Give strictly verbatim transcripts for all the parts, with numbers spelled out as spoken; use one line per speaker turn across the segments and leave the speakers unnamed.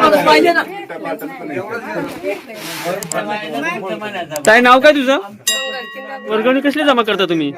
काय नाव काय तुझं? वर्गणी कसली जमा करता तुम्ही?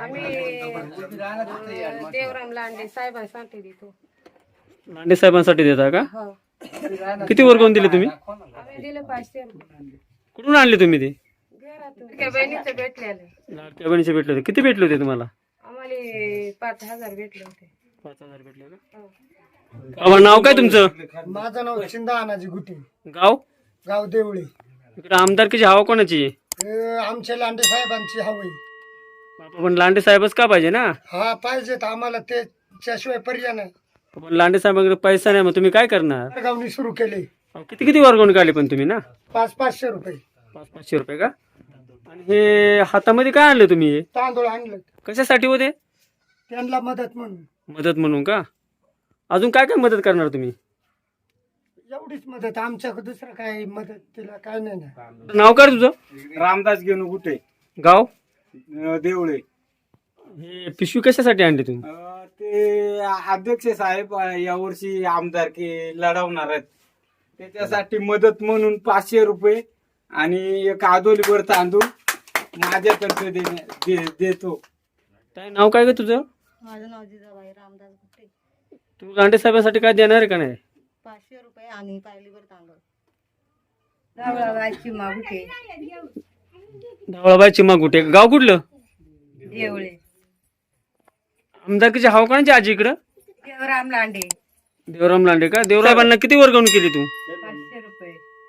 देवराम लांडे साहेबांसाठी देतो.
लांडे साहेबांसाठी देता का? किती वर्गवून दिले तुम्ही?
आम्ही दिले पाचशे रुपये.
कुठून आणले तुम्ही ते?
घरातून बहिणीचे भेटलेले.
लाडक्या बहिणीचे भेटले होते. किती भेटले होते तुम्हाला?
आम्हाला पाच हजार भेटले होते.
पाच हजार भेटले का? बाबा नाव काय तुमचं?
माझं नाव चिंदा अनाजी गुटे,
गाव?
गाव देवळे.
इकडे आमदारकीची हवा कोणाची आहे?
हे आमच्या लांडे साहेबांची हवी.
बाबा पण लांडे साहेबच का पाहिजे ना?
हा पाहिजेत आम्हाला, त्याच्याशिवाय पर्याय नाही.
पण लांडे साहेबांकडे पैसा नाही, मग तुम्ही काय करणार?
गावनी सुरू केले.
अहो, किती किती वर्गवून काढले पण तुम्ही ना?
पाच पाचशे रुपये.
पाच पाचशे रुपये का? आणि हे हातामध्ये काय आणले तुम्ही?
तांदूळ आणलं
कशासाठी होते?
त्यांना मदत म्हणून.
मदत म्हणून का? अजून काय काय मदत करणार तुम्ही?
एवढीच मदत, आमच्याकडे दुसरं काय मदत तिला काय नाही ना.
नाव काय तुझं?
रामदास घेऊन कुठे
गाव?
देवळे.
हे पिशवी कशासाठी आणली तुम्ही?
अं, ते अध्यक्ष साहेब अं, यावर्षी आमदारकी लढवणार आहेत, त्याच्यासाठी मदत म्हणून पाचशे रुपये आणि एक आदोलीवर तांदूळ माझ्यातर्फे देण्या- दे- देतो.
काय नाव काय ग तुझं?
माझं नाव जिजाबाई रामदास गुट्टे.
तू लांडे साहेबांसाठी काय देणार आहे का नाही?
पाचशे रुपये आणि पायलीवर तांदूळ.
रावळाबाईची मागुटे.
धावळाबाई चिमा गुटे. गाव कुठलं?
देवळे.
आमदारकीची हवा कोणाची आजी इकडं?
देवराम लांडे.
देवराम लांडे का? देवराबांना किती वर्गवून केली तू?
पाचशे रुपये.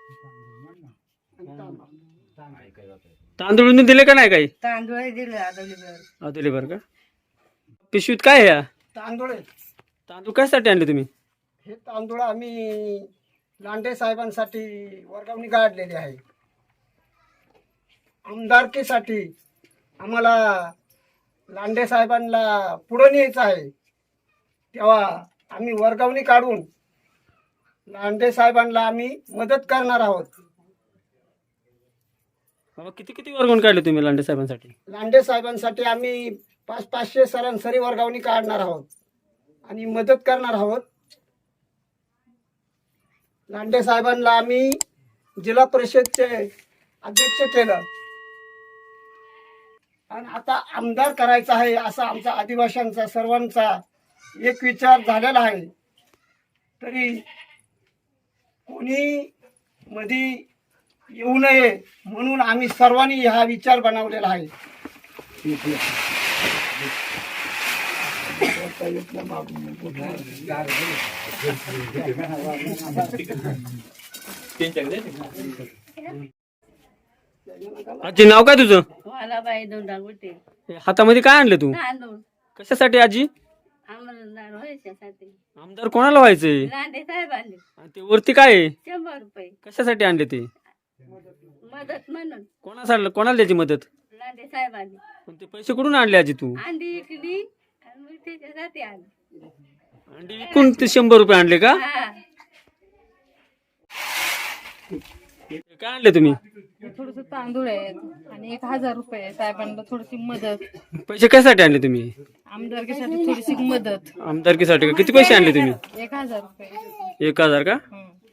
तांदूळ बिंदूळ दिले का नाही काही?
तांदूळ दिले आदवलीवर.
दिले बरं का? पिशवीत काय आहे या?
तांदूळ आहे.
तांदूळ कशासाठी आणले तुम्ही?
हे तांदूळ आम्ही लांडे साहेबांसाठी वर्गावणी काढलेली आहे. आमदारकीसाठी आम्हाला लांडे साहेबांना पुढं न्यायचं आहे, तेव्हा आम्ही वर्गावणी काढून लांडे साहेबांना आम्ही मदत करणार आहोत.
बाबा किती किती वर्गवून काढले तुम्ही लांडे साहेबांसाठी?
लांडे साहेबांसाठी आम्ही पाच पाचशे सरासरी वर्गावणी काढणार आहोत आणि मदत करणार आहोत. लांडे साहेबांना आम्ही जिल्हा परिषदचे अध्यक्ष केलं आणि आता आमदार करायचा आहे असा आमचा आदिवासींचा सर्वांचा एक विचार झालेला आहे. तरी कोणी मध्ये येऊ नये म्हणून आम्ही सर्वांनी हा विचार बनवलेला आहे.
आजी नाव काय तुझं?
मला बाई दोंडा गुट्टे.
हे हातामध्ये काय आणले तू?
तांदूळ
कशासाठी आजी?
आम्हाला व्हायच्यासाठी.
आमदार कोणाला व्हायचंय?
लांडे साहेब आणले
आणि ते वरती काय आहे?
शंभर रुपये
कशासाठी आणले ते?
मदत म्हणून.
कोणासाठी कोणाला द्यायची मदत?
लांडे साहेब आणले.
पण ते पैसे कुठून आणले आजी तू?
अंडी इकली आणि मग त्याच्यासाठी आले.
अंडी विकून ते शंभर रुपये आणले का?
हा.
हे काय आणले तुम्ही?
थोडस तांदूळ आहेत आणि एक हजार रुपये साहेबांना थोडीशी मदत.
पैसे कशासाठी आणले तुम्ही?
आमदारकीसाठी थोडीशी मदत.
आमदारकीसाठी का? किती पैसे आणले तुम्ही?
एक हजार रुपये.
एक हजार का?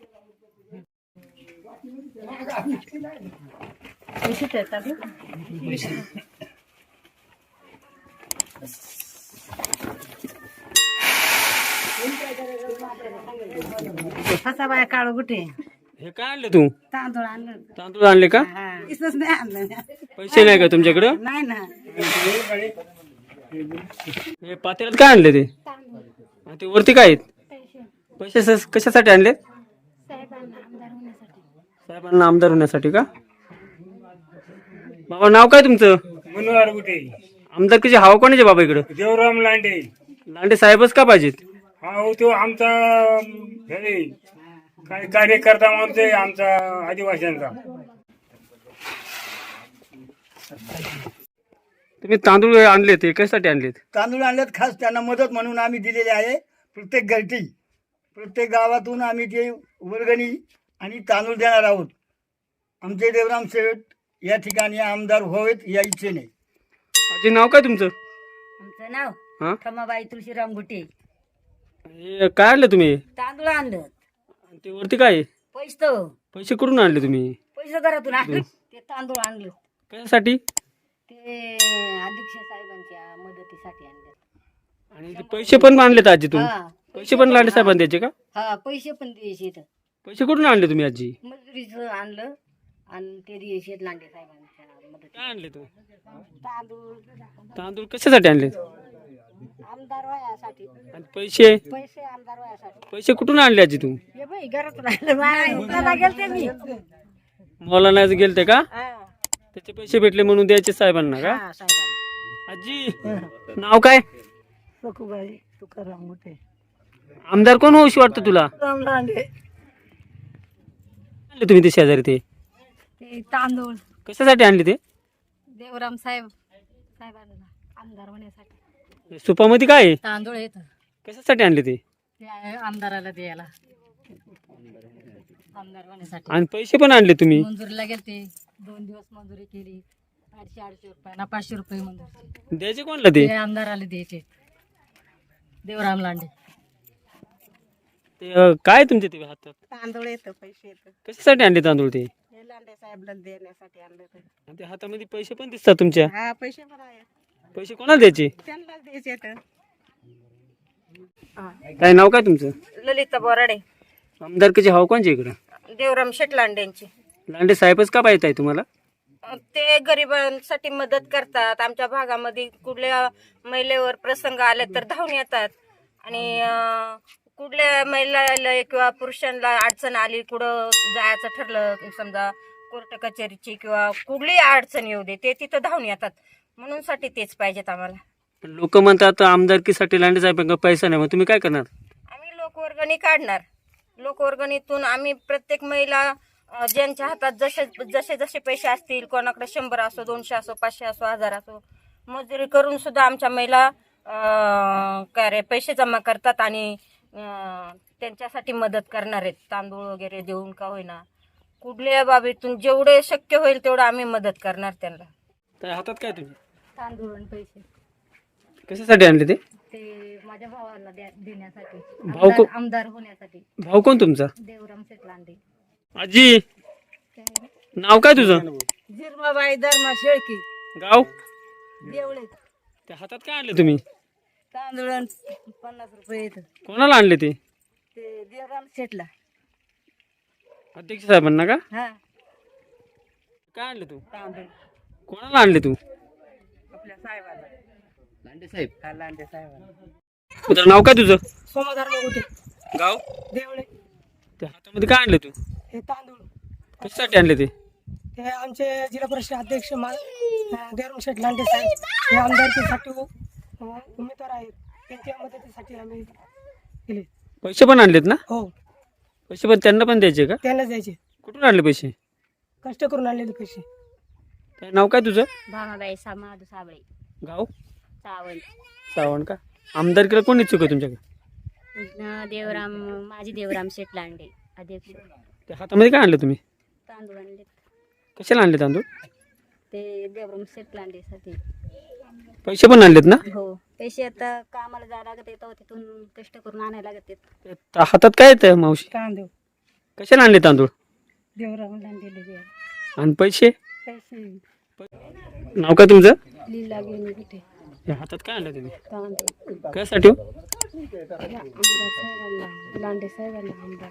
पैसे देतात.
कसा बाय काळू गुटे.
हे काय आणले तू?
तांदूळ आणलं.
तांदूळ आणले का?
इसच नाही आणलं.
पैसे नाही का तुमच्याकडं?
नाही ना.
हे पातेल्यात काय आणले ते? आणि ते वरती काय आहेत? पैसे स- कशासाठी आणले? साहेबांना आमदार होण्यासाठी का? बाबा नाव काय तुमचं?
मनोहर गुटे.
आमदारकीची हवा कोणाची बाबा इकडं?
देवराम लांडे.
लांडे साहेबच का पाहिजेत?
हा हो, तो आमचा हे काय कार्यकर्ता म्हणते आमचा आदिवासींचा.
तुम्ही तांदूळ आणले ते कशासाठी आणलेत?
तांदूळ आणल्यात खास त्यांना मदत म्हणून आम्ही दिलेली आहे. प्रत्येक घरटी प्रत्येक गावातून आम्ही ते वर्गणी आणि तांदूळ देणार आहोत. आमचे देवराम शेठ या ठिकाणी आमदार व्हावेत या इच्छेने.
आजी नाव काय तुमचं?
आमचं नाव
हा?
खमाबाई तुळशीराम गुटे.
हे काय आणलं तुम्ही?
तांदूळ आणलं.
ते वरती काय आहे?
पैसे
पैसे कुठून आणले तुम्ही?
पैसे घरातून आणले ते तांदूळ आणले
कशासाठी?
ते अध्यक्ष साहेबांच्या मदतीसाठी आणले.
आणि ते पैसे पण आणलेत आजी तुम्ही?
हा
पैसे पण लांडे साहेबांनी द्यायचे का?
हा पैसे पण द्यायचे इथं.
पैसे कुठून आणले तुम्ही आजी?
मजुरीचं आणलं आणि ते द्यायचे लांडे साहेबांच्या मदती.
काय आणले तू?
तांदूळ
तांदूळ कशासाठी आणले?
आमदार वयासाठी
आणि पैसे?
पैसे आमदार वयासाठी.
पैसे कुठून आणले आजी तू?
हे बाई घरातून आणलं. मला गेलते मी.
मला नाही गेलते का?
हा
त्याचे पैसे भेटले म्हणून द्यायचे साहेबांना का?
हा, साहेबांना.
आजी नाव काय?
सखूबाई तुकाराम मोठे.
आमदार कोण होऊशी वाटतं तुला?
लांडे
आणले तुम्ही ते शेजारी ते?
ते तांदूळ
कशासाठी आणले ते?
देवराम साहेब साहेबांना आमदार होण्यासाठी
सुपामध्ये काय आहे?
तांदूळ येत
कशासाठी आणले ते?
ते आहे आमदाराला द्यायला आमदार होण्यासाठी.
आणि पैसे पण आणले तुम्ही?
मंजुरीला गेलते दोन दिवस मंजुरी केली आठशे आठशे रुपये ना पाचशे रुपये मंजुरी.
द्यायचे कोणला ते?
ते आमदाराला द्यायचे देवराम लांडे.
ते अं, काय तुमचे ते हातात?
तांदूळ येतं पैसे येतं
कशासाठी आणले तांदूळ ते?
हे लांडे साहेबला देण्यासाठी आणलं ते.
आणि ते हातामध्ये पैसे पण दिसतात तुमच्या.
हा पैसे पण आहे
पैसे कोणाला द्यायचे?
त्यांनाच द्यायचे तर.
काय नाव काय तुमचं?
ललिता बोराडे.
आमदारकीचे हाव कोणचे इकडं?
देवराम शेट लांडेंची.
लांडे साहेबच का पाहिजे आहे तुम्हाला?
ते गरिबांसाठी मदत करतात. आमच्या भागामध्ये कुठल्या महिलेवर प्रसंग आले तर धावून येतात आणि अं, कुठल्या महिलाला किंवा पुरुषांना अडचण आली कुठं जायचं ठरलं समजा कोर्ट कचेरीची किंवा कुठलीही अडचण येऊ दे ते तिथं धावून येतात म्हणून साठी तेच पाहिजेत आम्हाला.
लोक म्हणतात आमदारकीसाठी लांडे साहेब पैसा नाही, मग तुम्ही काय करणार?
आम्ही लोकवर्गणी काढणार. लोकवर्गणीतून आम्ही प्रत्येक महिला अं, ज्यांच्या हातात जसे जसे जसे पैसे असतील कोणाकडे शंभर असो दोनशे असो पाचशे असो हजार असो मजुरी करून सुद्धा आमच्या महिला अं, काय रे पैसे जमा करतात आणि अं, त्यांच्यासाठी मदत करणार आहेत. तांदूळ वगैरे देऊन का होईना कुठल्या बाबीतून जेवढे शक्य होईल तेवढं आम्ही मदत करणार त्यांना.
त्या हातात काय तुझे?
तांदूळ आणि पैसे
कशासाठी आणले ते?
ते माझ्या भावाला द्या- देण्यासाठी
भाऊ को-
आमदार- आमदार होण्यासाठी.
भाऊ कोण तुमचा?
देवराम शेट लांडे.
आजी नाव काय तुझं?
जिरमाबाई धर्मा शेळकी
गाव?
देवळे.
त्या हातात काय आणले तुम्ही?
तांदूळ आणि पन्नास रुपये येतं
कोणाला आणले ते?
ते देवराम शेटला.
अध्यक्ष साहेबांना का?
हा
काय आणले तू?
तांदूळ
कोणाला आणले तू?
आपल्या साहेबाला.
लांडे साहेब.
हा लांडे साहेबाला.
तुझं नाव काय तुझं?
सोमधार मोठे
गाव?
देवळे.
त्या हातामध्ये काय आणले तू?
हे तांदूळ
कशासाठी आणले ते?
हे आमचे जिल्हा परिषद अध्यक्ष मा अं, देवराम शेठ लांडे साहेब हे आमदारकीसाठी उ- उमेदवार आहेत. त्यांच्या मदतीसाठी आम्ही केले.
पैसे पण आणलेत ना?
हो
पैसे पण त्यांना पण द्यायचे का?
त्यांनाच द्यायचे.
कुठून आणले पैसे?
कष्ट करून आणलेले पैसे.
काय नाव काय तुझं?
भामाबाई समाधू साबळे.
गाव?
सावंत.
सावण का? आमदारकीला कोण इच्छुक आहे तुमच्याकडे?
देवराम माझी देवराम शेट लांडे अध्यक्ष.
त्या हातामध्ये काय आणले तुम्ही?
तांदूळ आणले
कशाला आणले तांदूळ?
ते देवराम शेट लांडेसाठी.
पैसे पण आणलेत ना?
हो पैसे आता कामाला जायला लागत येतं तिथून कष्ट करून आणायला लागत येत.
त्या हातात काय येतं मावशी?
तांदूळ
कशाला आणले तांदूळ?
देवराम लांडेले द्या
आणि पैसे?
पैसे.
नाव काय तुमचं?
लीला घेऊन कुठे
त्या हातात काय आणलं तुम्ही?
तांदूळ
कशासाठी हो?
आमदार साहेबांना लांडे साहेबांना आमदार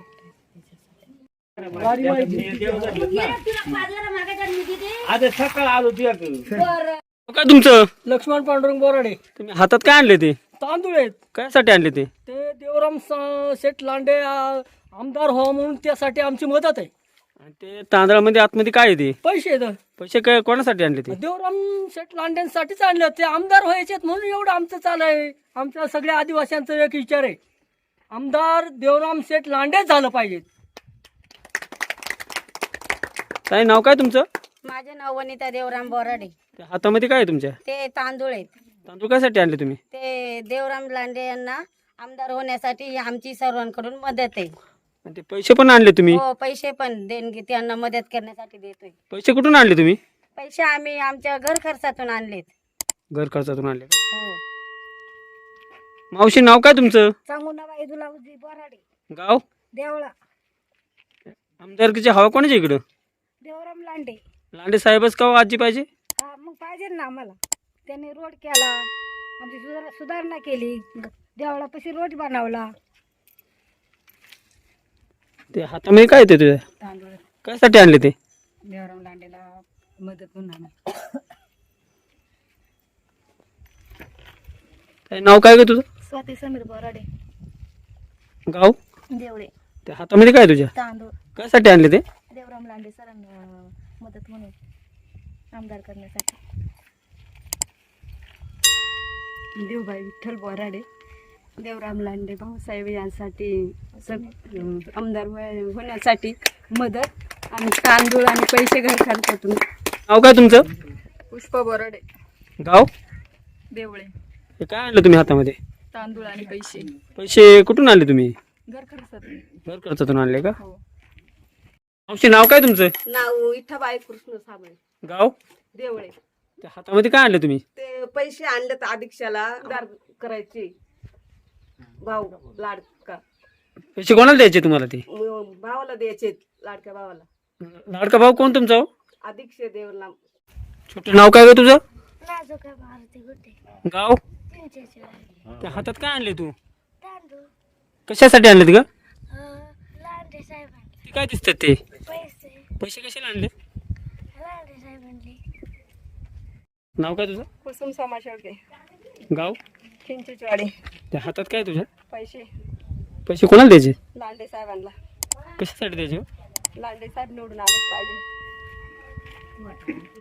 नाव काय तुमचं?
लक्ष्मण पांडुरंग बोराडे.
तुम्ही हातात काय आणले ते?
तांदूळ आहेत
कशासाठी आणले ते?
ते देवराम स- शेठ लांडे आ, आमदार व्हावं म्हणून त्यासाठी आमची मदत आहे.
आणि ते तांदळामध्ये आतमध्ये काय आहे ते?
पैसे आहेत.
पैसे काय कोणासाठी आणले ते?
देवराम शेठ लांडेंसाठीच आणले. ते आमदार व्हायचे म्हणून एवढं आमचं चालू आहे. आमच्या सगळ्या आदिवासींचा एक विचार आहे आमदार देवराम शेठ लांडेच झालं पाहिजे.
काय नाव काय तुमचं?
माझे नाव वनिता देवराम बोराडे.
त्या हातामध्ये काय आहे तुमच्या?
ते तांदूळ आहेत.
तांदूळ कशासाठी आणले तुम्ही?
ते देवराम लांडे यांना आमदार होण्यासाठी आमची सर्वांकडून मदत आहे.
आणि ते पैसे पण आणले तुम्ही?
हो पैसे पण देणगी त्यांना मदत करण्यासाठी देतोय.
पैसे कुठून आणले तुम्ही?
पैसे आम्ही आमच्या घर खर्चातून आणलेत.
घर खर्चातून आणले का?
हो
मावशी नाव काय तुमचं?
सांगूनाबाई दुलावजी बोराडे
गाव?
देवळा.
आमदारकीची हवा कोणाच्या इकडं?
देवराम लांडे.
लांडे साहेबच का हो आजी पाहिजे?
हा, मग पाहिजे ना आम्हाला. त्यांनी रोड केला, आमची सुधार सुधारणा केली, देवळापाशी रोड बनवला.
ते हातामध्ये काय येते तुझ्या?
तांदूळ
कशासाठी आणले ते?
देवराम लांडेला मदत म्हणून आम्ही.
काय नाव काय ग तुझं?
स्वाती समीर बोराडे.
गाव?
देवळे.
त्या हातामध्ये काय तुझ्या?
तांदूळ.
कशासाठी आणले ते?
देवराम लांडे सरांना मदत म्हणून आमदार करण्यासाठी.
देवबाई विठ्ठल बोराडे. देवराम लांडे भाऊसाहेब यांसाठी सग आमदार होय- होण्यासाठी मदत आणि तांदूळ आणि पैसे घर खर्चातून.
नाव काय तुमचं?
पुष्पा बोराडे.
गाव?
देवळे.
हे काय आणलं तुम्ही हातामध्ये?
तांदूळ आणि पैसे
पैसे कुठून आणले तुम्ही?
घर खर्चातून.
घर खर्चातून आणले का?
हो.
मावशी नाव काय तुमचं?
नाव इठाबाई कृष्ण साबळे.
गाव?
देवळे.
त्या हातामध्ये काय आणले तुम्ही?
ते पैसे आणले तर अधीक्षाला उधार करायचे. भाऊ लाडका
पैसे कोणाला द्यायचे तुम्हाला ते?
म- भावाला द्यायचे, लाडक्या भावाला.
लाडका भाऊ कोण तुमचा हो?
अधीक्ष देवला.
छोटं नाव काय ग तुझं?
नाजुका भारती गुटे.
गाव?
त्यांच्याशिवाय
त्या हातात काय आणले तू?
तांदूळ.
कशासाठी आणलेत ग?
लांडे साहेबांनी
ते काय दिसतात ते?
पैसे.
पैसे कशाला आणले?
लांडे साहेबांनी.
नाव काय तुझं?
कुसुम समाशेळके.
गाव?
चिंचेचवाडी.
त्या हातात काय तुझ्या?
पैसे
पैसे कोणाला द्यायचे?
लांडे साहेबांना.
कशासाठी द्यायचे हो?
लांडे साहेब निवडून आलेच पाहिजे.